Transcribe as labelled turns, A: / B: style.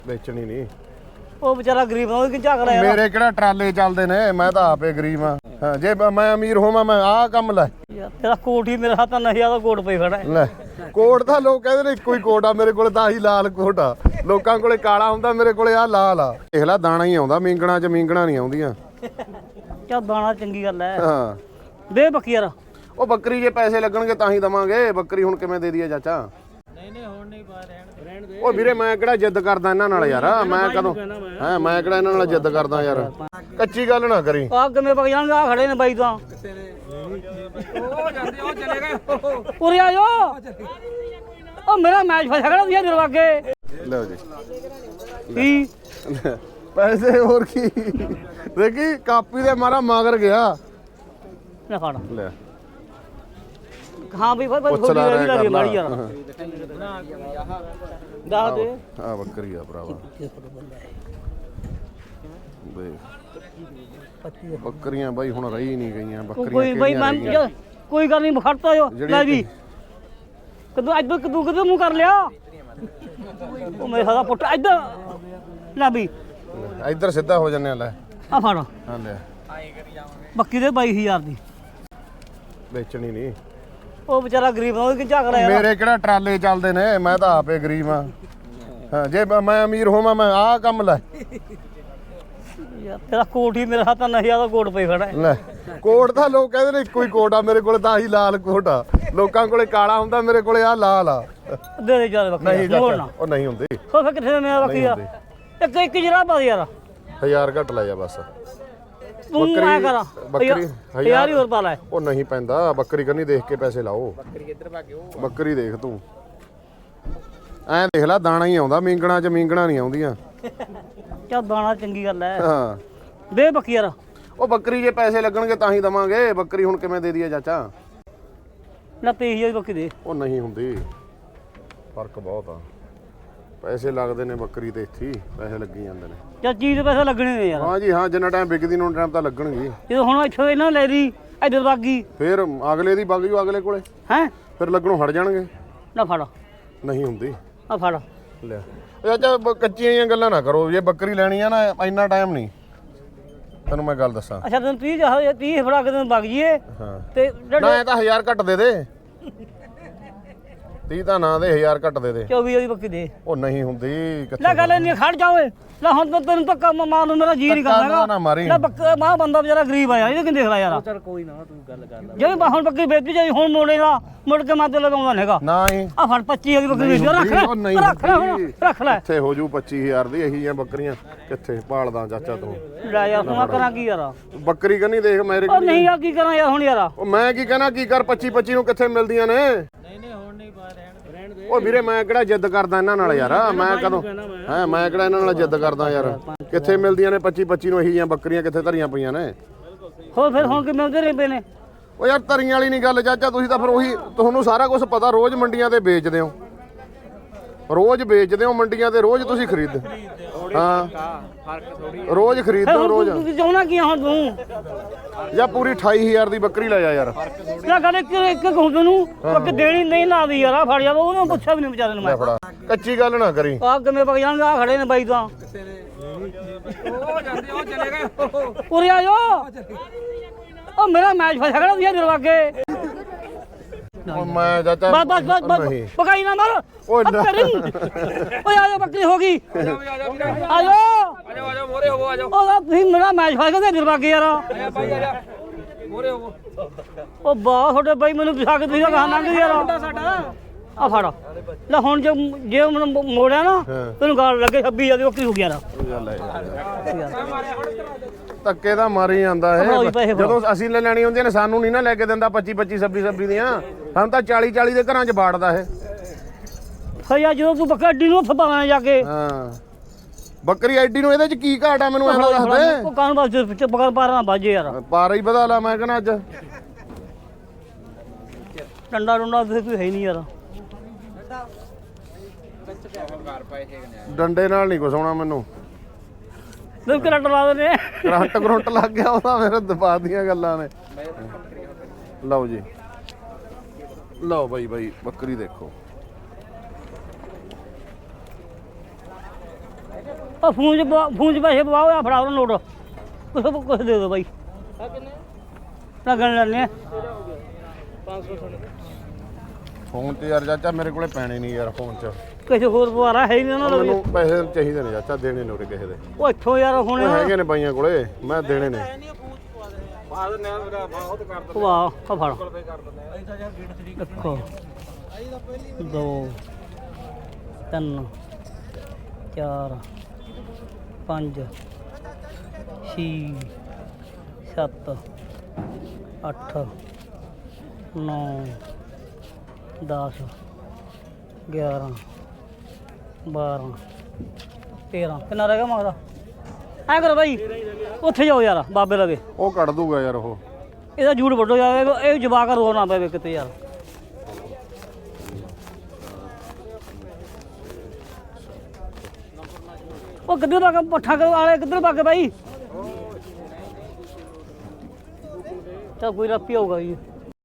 A: ਵੇਚਣੀ ਨਹੀਂ।
B: ਉਹ ਵਿਚਾਰਾ ਗਰੀਬ ਆ, ਉਹ ਕਿ ਝਾਕ ਰਿਹਾ
A: ਮੇਰੇ ਕਿਹੜਾ ਟਰਾਲੇ ਚੱਲਦੇ ਨੇ, ਮੈਂ ਤਾਂ ਆਪੇ ਗਰੀਬ ਆ। ਹਾਂ ਜੇ ਮੈਂ ਅਮੀਰ ਹੋਵਾਂ ਮੈਂ ਆਹ ਕੰਮ ਲੈ।
B: ਯਾਰ ਤੇਰਾ ਕੋਟ ਹੀ ਮੇਰੇ ਹੱਥਾਂ ਨਹੀਂ ਆਦਾ, ਕੋਟ ਪਈ ਖੜਾ
A: ਲੈ ਕੋਟ ਤਾਂ ਲੋਕ ਕਹਿੰਦੇ ਨੇ ਇੱਕੋ ਹੀ ਕੋਟ ਆ, ਮੇਰੇ ਕੋਲ ਤਾਂ ਆਹੀ ਲਾਲ ਕੋਟ ਆ। ਲੋਕਾਂ ਕੋਲੇ ਕਾਲਾ ਹੁੰਦਾ, ਮੇਰੇ ਕੋਲੇ ਆਹ ਲਾਲ ਆ। ਦੇਖ ਲੈ ਦਾਣਾ ਹੀ ਆਉਂਦਾ ਮੀਂਗਣਾ ਚ, ਮੀਂਗਣਾ ਨਹੀਂ ਆਉਂਦੀਆਂ।
B: ਚੱਲ ਦਾਣਾ ਚੰਗੀ ਗੱਲ ਐ।
A: ਹਾਂ
B: ਦੇ ਬੱਕੀ ਯਾਰ।
A: ਉਹ ਬੱਕਰੀ ਜੇ ਪੈਸੇ ਲੱਗਣਗੇ ਤਾਂ ਹੀ ਦਵਾਂਗੇ। ਬੱਕਰੀ ਹੁਣ ਕਿਵੇਂ ਦੇ ਦਈਏ ਚਾਚਾ?
B: ਨਹੀਂ ਹੁਣ ਨਹੀਂ ਪਾ ਰਹਿਣ ਦੇ।
A: ਉਹ ਵੀਰੇ ਮੈਂ ਕਿਹੜਾ ਜਿੱਦ ਕਰਦਾ ਇਹਨਾਂ ਨਾਲ ਯਾਰ, ਮੈਂ ਕਦੋਂ ਹਾਂ ਮੈਂ ਕਿਹੜਾ ਇਹਨਾਂ ਨਾਲ ਜਿੱਦ ਕਰਦਾ ਯਾਰ। ਕੱਚੀ ਗੱਲ ਨਾ ਕਰੀ।
B: ਆ ਕਿਵੇਂ ਪਕ ਜਾਣਗੇ? ਆ ਖੜੇ ਨੇ ਬਾਈ ਤਾਂ ਉਹ ਚਲੇ ਗਏ। ਉਰੇ ਆ ਜਾ। ਉਹ ਮੇਰਾ ਮੈਚ ਫਸਿਆ ਖੜਾ ਤੁਸੀਂ ਦਰਵਾਗੇ।
A: ਲਓ ਜੀ
B: ਕੀ
A: ਪੈਸੇ ਹੋਰ ਕੀ। ਦੇਖੀ ਕਾਪੀ ਦੇ ਮਾਰਾ ਮਗਰ ਗਿਆ।
B: ਲੈ ਫੜ।
A: ਲੈ
B: ਹਾਂ ਵੀ ਭਾਈ
A: ਪੁੱਛ ਲਾ ਰਿਹਾ ਕਰ ਲਾ।
B: ਯਾਰ ਦੱਸ ਦੇ।
A: ਆ ਬੱਕਰੀ ਆ ਭਰਾਵਾ ਦੇਖ। ਬੱਕਰੀਆਂ ਬਾਈ ਹੁਣ ਰਹੀ ਨਹੀਂ ਗਈਆਂ। ਬੱਕਰੀਆਂ
B: ਕੋਈ ਬਾਈ ਮੈਂ ਕੋਈ ਗੱਲ ਨਹੀਂ ਖੜਤਾ ਜੋ ਲੈ ਵੀ। ਕਦੋਂ ਇੱਧਰ ਕਦੋਂ ਮੂੰਹ ਕਰ ਲਿਆ। ਉਹ ਮੇਰੇ ਸਾਦਾ ਪੁੱਟ ਇੱਧਰ ਲੈ ਵੀ।
A: ਇੱਧਰ ਸਿੱਧਾ ਹੋ ਜੰਨੇ। ਲੈ
B: ਆ ਫੜ।
A: ਹਾਂ ਲੈ
B: ਬੱਕੀ ਦੇ 22,000 ਦੀ।
A: ਵੇਚਣੀ ਨਹੀਂ।
B: ਉਹ ਵਿਚਾਰਾ ਗਰੀਬ ਆ, ਉਹ ਕਿ ਝਾਕ ਰਿਹਾ।
A: ਮੇਰੇ ਕਿਹੜਾ ਟਰਾਲੇ ਚੱਲਦੇ ਨੇ, ਮੈਂ ਤਾਂ ਆਪੇ ਗਰੀਬ ਆ। ਹਾਂ ਜੇ ਮੈਂ ਅਮੀਰ ਹੋਵਾਂ ਮੈਂ ਆਹ ਕੰਮ ਲੈ।
B: ਯਾਰ ਤੇਰਾ ਕੋਟ ਹੀ ਮੇਰੇ ਹੱਥਾਂ ਨਹੀਂ ਆਦਾ, ਕੋਟ ਪਈ ਖੜਾ
A: ਲੈ ਕੋਟ ਤਾਂ ਲੋਕ ਕਹਿੰਦੇ ਨੇ ਇੱਕੋ ਹੀ ਕੋਟ ਆ, ਮੇਰੇ ਕੋਲ ਤਾਂ ਆਹੀ ਲਾਲ ਕੋਟ ਆ। ਲੋਕਾਂ ਕੋਲੇ ਕਾਲਾ ਹੁੰਦਾ, ਮੇਰੇ ਕੋਲੇ ਆਹ ਲਾਲ ਆ।
B: ਦੇ ਦੇ ਚੱਲ ਬੱਕੀ।
A: ਨਹੀਂ ਚਾਚਾ ਉਹ ਨਹੀਂ ਹੁੰਦੀ।
B: ਹੋ ਫਿਰ ਕਿੱਥੇ ਮੇਰਾ ਬੱਕੀ ਯਾਰ? ਇੱਕ ਜਰਾ ਪਾ ਯਾਰ।
A: 1000 ਘੱਟ ਲੈ ਜਾ ਬਸ।
B: ਤੂੰ ਐ ਕਰ
A: ਬੱਕਰੀ
B: 1000 ਹੀ ਹੋਰ ਪਾ ਲੈ।
A: ਉਹ ਨਹੀਂ ਪੈਂਦਾ। ਬੱਕਰੀ ਕੰਨੀ ਦੇਖ ਕੇ ਪੈਸੇ ਲਾਓ। ਬੱਕਰੀ ਕਿੱਧਰ ਭਾਗਿਓ? ਬੱਕਰੀ ਦੇਖ ਤੂੰ ਐਂ ਦੇਖ ਲੈ ਦਾਣਾ ਹੀ ਆਉਂਦਾ ਮੀਂਗਣਾ ਚ, ਮੀਂਗਣਾ ਨਹੀਂ ਆਉਂਦੀਆਂ।
B: ਚੱਲ ਦਾਣਾ ਚੰਗੀ ਗੱਲ ਐ।
A: ਹਾਂ
B: ਦੇ ਬੱਕੀ ਯਾਰ।
A: ਉਹ ਬੱਕਰੀ ਜੇ ਪੈਸੇ ਲੱਗਣਗੇ ਤਾਂ ਹੀ ਦਵਾਂਗੇ। ਬੱਕਰੀ ਹੁਣ ਕਿਵੇਂ ਦੇ ਦਈਏ ਚਾਚਾ?
B: ਲੈ 23,000 ਦੀ ਬੱਕੀ ਦੇ।
A: ਉਹ ਨਹੀਂ ਹੁੰਦੀ, ਫਰਕ ਬਹੁਤ ਆ। ਪੈਸੇ ਲੱਗਦੇ ਨੇ ਬੱਕਰੀ ਤੇ, ਇੱਥੇ ਪੈਸੇ ਲੱਗੀ ਜਾਂਦੇ ਨੇ।
B: ਚੱਲ ਚੀਜ਼ ਦੇ ਪੈਸੇ ਲੱਗਣੇ ਨੇ ਯਾਰ।
A: ਹਾਂ ਜੀ ਹਾਂ, ਜਿੰਨਾ ਟਾਈਮ ਵਿਕਦੀ ਨੂੰ ਟਾਈਮ ਤਾਂ ਲੱਗਣਗੇ।
B: ਜਦੋਂ ਹੁਣ ਇੱਥੋਂ ਇਹਨਾਂ ਲੈ ਲਈ ਇੱਧਰ ਬਾਗੀ
A: ਫਿਰ ਅਗਲੇ ਦੀ ਵਗ ਜੂ ਅਗਲੇ ਕੋਲੇ,
B: ਹੈ।
A: ਫਿਰ ਲੱਗਣੋਂ ਹਟ ਜਾਣਗੇ।
B: ਨਾ ਫੜ।
A: ਨਹੀਂ ਹੁੰਦੀ।
B: ਆ ਫੜ
A: ਲੈ ਚਾਚਾ ਕੱਚੀਆਂ ਜਿਹੀਆਂ ਗੱਲਾਂ ਨਾ ਕਰੋ। ਜੇ ਬੱਕਰੀ ਲੈਣੀ ਆ ਨਾ ਇੰਨਾ ਟਾਈਮ ਨਹੀਂ, ਤੈਨੂੰ ਮੈਂ ਗੱਲ ਦੱਸਾਂ।
B: ਅੱਛਾ ਤੈਨੂੰ 30 ਫੜਾ ਕੇ ਤੈਨੂੰ ਵਗ ਜੀਏ
A: ਹਾਂ
B: ਤੇ
A: ਨਾ ਇਹ ਤਾਂ 1000 ਘੱਟ ਦੇ ਦੇ। 30 ਤਾਂ ਨਾ ਦੇ, 1000 ਘੱਟ ਦੇ ਦੇ।
B: 24,000 ਦੀ ਬੱਕੀ ਦੇ।
A: ਉਹ ਨਹੀਂ ਹੁੰਦੀ।
B: ਲੈ ਗੱਲ ਨਹੀਂ ਖੜ ਜਾ ਓਏ। ਲੈ ਹੁਣ ਤਾਂ ਤੈਨੂੰ ਧੱਕਾ ਮਾਰ ਨੂੰ ਮੇਰਾ ਜੀ ਨਹੀਂ ਕਰਦਾ।
A: ਨਾ ਮਾਰੀ।
B: ਲੈ ਬੱਕਾ ਮਾਂ ਬੰਦਾ ਵਿਚਾਰਾ ਗਰੀਬ ਆ ਯਾਰ, ਇਹ ਕਿੰਨੇ ਦੇਖ ਲੈ ਯਾਰ। ਚੱਲ ਕੋਈ ਨਾ ਤੂੰ ਗੱਲ ਕਰ ਲੈ। ਜੇ ਹੁਣ ਬੱਕਰੀ ਵੇਚੀ ਜਾਈ ਹੁਣ ਮੋੜੇਗਾ, ਮੁੜ ਕੇ ਮਾਤੇ ਲਗਾਉਂਦਾ ਨਹੀਂਗਾ।
A: ਨਾ ਹੀ
B: ਆ ਫੜ 25,000 ਦੀ ਬੱਕਰੀ ਵੇਚ ਰੱਖ ਲੈ।
A: ਉਹ ਨਹੀਂ
B: ਰੱਖ ਲੈ ਹੁਣ, ਰੱਖ ਲੈ।
A: ਕਿੱਥੇ ਹੋ ਜੂ 25,000 ਦੀ? ਇਹੀ ਜਿਹੀਆਂ ਬੱਕਰੀਆਂ ਕਿੱਥੇ ਪਾਲਦਾ ਚਾਚਾ ਤੂੰ?
B: ਲੈ ਯਾਰ ਹੁਣ ਕਰਾਂ ਕੀ ਯਾਰ?
A: ਬੱਕਰੀ ਕੰਨੀ ਦੇਖ ਮੇਰੇ
B: ਉਹ ਨਹੀਂ ਯਾਰ ਕੀ ਕਰਾਂ ਯਾਰ ਹੁਣ ਯਾਰ।
A: ਉਹ ਮੈਂ ਕੀ ਕਹਿਣਾ, ਕੀ ਕਰ 25 ਨੂੰ ਕਿੱਥੇ ਮਿਲਦੀਆਂ ਨੇ?
B: ਨਹੀਂ ਹੁਣ ਨਹੀਂ ਪਾ ਰਹਿਣ ਦੇ।
A: ਉਹ ਵੀਰੇ ਮੈਂ ਕਿਹੜਾ ਜਿੱਦ ਕਰਦਾ ਇਹਨਾਂ ਨਾਲ ਯਾਰ, ਮੈਂ ਕਦੋਂ ਹਾਂ ਮੈਂ ਕਿਹੜਾ ਇਹਨਾਂ ਨਾਲ ਜਿੱਦ ਕਰਦਾ ਯਾਰ। ਕਿੱਥੇ ਮਿਲਦੀਆਂ ਨੇ 25 ਨੂੰ ਇਹੀ ਜਿਹੀਆਂ ਬੱਕਰੀਆਂ? ਕਿੱਥੇ ਧਰੀਆਂ ਪਈਆਂ ਨੇ?
B: ਹੋਰ ਫਿਰ ਹੁਣ ਕਿਵੇਂ ਉਹਦੇ ਪਏ ਨੇ?
A: ਉਹ ਯਾਰ ਧਰੀਆਂ ਵਾਲੀ ਨਹੀਂ ਗੱਲ ਚਾਚਾ। ਤੁਸੀਂ ਤਾਂ ਫਿਰ ਉਹੀ, ਤੁਹਾਨੂੰ ਸਾਰਾ ਕੁਝ ਪਤਾ। ਰੋਜ਼ ਮੰਡੀਆਂ ਤੇ ਵੇਚਦੇ ਹੋ, ਰੋਜ਼ ਵੇਚਦੇ ਹੋ ਮੰਡੀਆਂ ਤੇ, ਰੋਜ਼ ਤੁਸੀਂ ਖਰੀਦ। ਹਾਂ ਰੋਜ਼ ਖਰੀਦਦੇ ਹੋ ਰੋਜ਼।
B: ਤੂੰ ਚਾਹੁੰਦਾ ਕੀ ਹੁਣ ਤੂੰ?
A: ਜਾਂ ਪੂਰੀ 28,000 ਦੀ ਬੱਕਰੀ ਲੈ ਜਾ ਯਾਰ।
B: ਲੈ ਗੱਲ ਇੱਕ ਹੁੰਦੇ ਨੂੰ ਇੱਕ ਦੇਣੀ ਨਹੀਂ ਲਾਦੀ ਯਾਰ। ਆ ਫੜ ਜਾ, ਉਹਨੂੰ ਪੁੱਛਿਆ ਵੀ ਨਹੀਂ ਵਿਚਾਰੇ ਨੂੰ ਮੈਂ।
A: ਫੜਾ ਕੱਚੀ ਗੱਲ ਨਾ ਕਰੀ।
B: ਆ ਕਿਵੇਂ ਪਕ ਜਾਣਗੇ? ਆ ਖੜੇ ਨੇ ਬਾਈ ਤਾਂ ਉਹ ਚਲੇ ਗਏ। ਉਰੇ ਆ ਜਾ। ਉਹ ਮੇਰਾ ਮੈਚ ਫਸਿਆ ਖੜਾ ਤੁਸੀਂ ਦਰਵਾਗੇ।
A: ਉਹ ਮੈਂ ਚਾਚਾ
B: ਬਸ
A: ਨਹੀਂ
B: ਪਕਾਈ ਨਾ ਮਾਰ।
A: ਓਏ ਨਾ।
B: ਓਏ ਆ ਜਾ, ਬੱਕਰੀ ਹੋ ਗਈ। ਆ ਜਾ ਮੋਰੇ ਹੋ। ਆ ਜਾ। ਉਹ ਤੁਸੀਂ ਮੇਰਾ ਮੈਚ ਫਸ ਗਿਆ ਦਰਵਾਗੇ ਯਾਰ। ਬਾਈ ਆ ਜਾ ਮੋਰੇ ਹੋ। ਉਹ ਬਾਹ ਤੁਹਾਡੇ ਬਾਈ ਮੈਨੂੰ ਪਿਛਾ ਕੇ ਤੁਸੀਂ ਕਹਾਂ ਲੰਘ ਯਾਰ ਸਾਡਾ। ਆ ਫੜ ਲੈ ਹੁਣ ਜੇ ਮੈਨੂੰ ਮੋੜਿਆ ਨਾ ਤੈਨੂੰ ਗਾਲ ਲੱਗੇ 26,000 ਦੀ ਬੱਕਰੀ ਹੋ ਗਈ ਯਾਰ।
A: ਧੱਕੇ ਦਾ ਮਾਰੀ ਜਾਂਦਾ ਇਹ। ਜਦੋਂ ਅਸੀਂ ਲੈ ਲੈਣੀ ਹੁੰਦੀਆਂ ਨੇ ਸਾਨੂੰ ਨਹੀਂ ਨਾ ਲੈ ਕੇ ਦਿੰਦਾ 25 26 ਦੀਆਂ। ਸਾਨੂੰ ਤਾਂ 40 ਦੇ ਘਰਾਂ 'ਚ ਬਾੜਦਾ ਇਹ।
B: ਫਿਰ ਯਾਰ ਜਦੋਂ ਤੂੰ ਬੱਕਰੀ ਅੱਡੀ ਨੂੰ ਉੱਥੇ ਪਾਣਾ ਜਾ ਕੇ।
A: ਹਾਂ ਬੱਕਰੀ ਐਡੀ ਨੂੰ ਇਹਦੇ 'ਚ ਕੀ ਘਾਟ ਆ ਮੈਨੂੰ ਐਂ ਦੱਸ ਦੇ।
B: ਉਹ ਕਾਨ ਬਸ ਬਕਰ ਪਾਰਾ ਨਾ ਬਾਜੇ ਯਾਰ।
A: ਪਾਰਾ ਹੀ ਵਧਾ ਲਾ ਮੈਂ ਕਹਿੰਦਾ ਅੱਜ।
B: ਡੰਡਾ ਡੁੰਡਾ ਤੇ ਕੋਈ ਹੈ ਨਹੀਂ ਯਾਰ।
A: ਡੰਡੇ ਨਾਲ ਨਹੀਂ ਕੁਛ ਹੋਣਾ ਮੈਨੂੰ।
B: ਤੂੰ ਕਰੰਟ ਲਾ ਦਿੰਦੇ।
A: ਕਰੰਟ ਲੱਗ ਗਿਆ ਉਹਦਾ ਮੇਰੇ ਦਬਾ ਦੀਆਂ ਗੱਲਾਂ ਨੇ। ਲਓ ਜੀ ਲਓ ਬਾਈ ਬੱਕਰੀ ਦੇਖੋ।
B: ਉਹ ਫੋਨ 'ਚ ਪੈਸੇ ਪਵਾਓ ਆ ਫੜਾ ਉਹ ਨੋਟ ਕੁਛ ਦੇ ਦਿਓ ਬਾਈ ਆ ਕਿੰਨੇ ਲੱਗਣ ਲੈਣੇ 500
A: ਫੋਨ ਤੇ ਯਾਰ ਚਾਚਾ ਮੇਰੇ ਕੋਲੇ ਪੈਣੇ ਨਹੀਂ ਯਾਰ ਫੋਨ 'ਚ
B: ਕਿਸੇ ਹੋਰ ਪਵਾਰਾ ਹੈ ਹੀ ਨਹੀਂ ਉਹਨਾਂ ਦਾ
A: ਮੈਨੂੰ ਪੈਸੇ ਚਾਹੀਦੇ ਨੇ ਚਾਚਾ ਦੇਣੇ ਨੇ ਉਰੇ ਕਿਸੇ ਦੇ
B: ਉਹ ਇੱਥੋਂ ਯਾਰ ਹੁਣ
A: ਹੈਗੇ ਨੇ ਬਾਈਆਂ ਕੋਲੇ ਮੈਂ ਦੇਣੇ ਨੇ
B: ਵਾਹ ਆ ਫੜ ਦੇਖੋ 2 3 4 5 6 7 8 9 10 11 12 13 ਕਿੰਨਾ ਰਹਿ ਗਿਆ ਮੰਗਦਾ ਐ ਕਰੋ ਬਾਈ ਉੱਥੇ ਜਾਓ ਯਾਰ ਬਾਬੇ ਲਗੇ
A: ਉਹ ਕੱਢ ਦੂਗਾ ਯਾਰ ਉਹ
B: ਇਹਦਾ ਜੂੜ ਵੱਡੋ ਜਾਵੇ ਇਹ ਜਵਾਕ ਰੋ ਨਾ ਪਵੇ ਕਿਤੇ ਯਾਰ ਉਹ ਕਿੱਧਰ ਭਾਗ ਪੱਠਾ ਵਾਲੇ ਕਿੱਧਰ ਭਾਗੇ ਬਾਈ ਤਾਂ ਕੋਈ ਰੱਪੀ ਹੋਊਗਾ ਜੀ